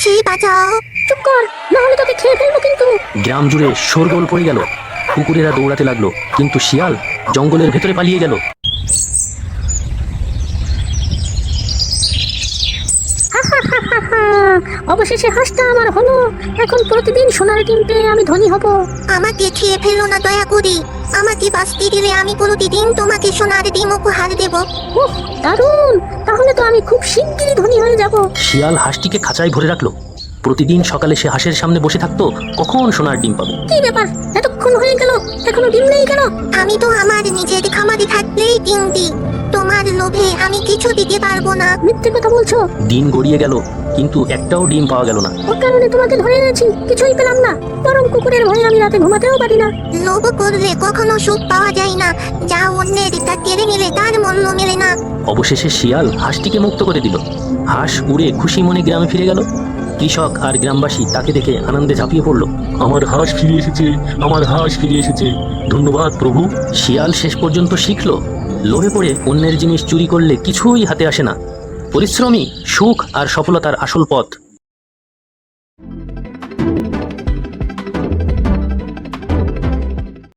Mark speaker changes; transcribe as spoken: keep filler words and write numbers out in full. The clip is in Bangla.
Speaker 1: যাচ্ছি, বাঁচাও।
Speaker 2: চুপ কর, না হলে তোকে খেয়ে ফেলবো কিন্তু।
Speaker 3: গ্রাম জুড়ে শোরগোল পড়ে গেল। কুকুরেরা দৌড়াতে লাগলো, কিন্তু শিয়াল জঙ্গলের ভেতরে পালিয়ে গেল।
Speaker 2: অবশেষে হাঁসটা আমার হলো। এখন প্রতিদিন সোনার ডিম পেয়ে আমি ধনী হব।
Speaker 1: আমাকে খেয়ে ফেলো না দয়া করি। আমাকে বাঁচতে দিলে আমি প্রতিদিন তোমাকে সোনার ডিম উপহার দেব।
Speaker 2: উফ, দারুণ! তাহলে তো আমি খুব শিগগিরই ধনী হয়ে যাব।
Speaker 3: শিয়াল হাঁসটিকে খাঁচায় ভরে রাখলো। প্রতিদিন সকালে সে হাঁসের সামনে বসে থাকতো, কখন সোনার ডিম পাবে।
Speaker 2: কি ব্যাপার, এতক্ষণ হয়ে গেল এখনো ডিম নেই কেন?
Speaker 1: আমি তো আমার নিজের খামারে থাকলেই ডিম দিই। তোমার লোভে আমি কিছু দিতে পারবো না।
Speaker 2: মিথ্যে কথা বলছো।
Speaker 3: দিন গড়িয়ে গেল, কিন্তু একটাও ডিম পাওয়া গেল না।
Speaker 2: ওর কারণে তোমাকে ধরে এনেছি, কিছুই পেলাম না। বরং কুকুরের ভয়ে আমি রাতে ঘুমাতেও পারি না।
Speaker 1: লোভ করলে কখনো সুখ পাওয়া যায় না। যা অন্যের তা কেড়ে নিলে তার মূল্য মেলে না।
Speaker 3: অবশেষে শিয়াল হাঁসটিকে মুক্ত করে দিল। হাঁস উড়ে খুশি মনে গ্রামে ফিরে গেল। কৃষক আর গ্রামবাসী তাকে দেখে আনন্দে ঝাঁপিয়ে পড়ল।
Speaker 4: আমার হাঁস ফিরে এসেছে, আমার হাঁস ফিরে এসেছে, ধন্যবাদ প্রভু।
Speaker 3: শিয়াল শেষ পর্যন্ত শিখল, লোভে পড়ে অন্যের জিনিস চুরি করলে কিছুই হাতে আসে না। পরিশ্রমী সুখ আর সফলতার আসল পথ।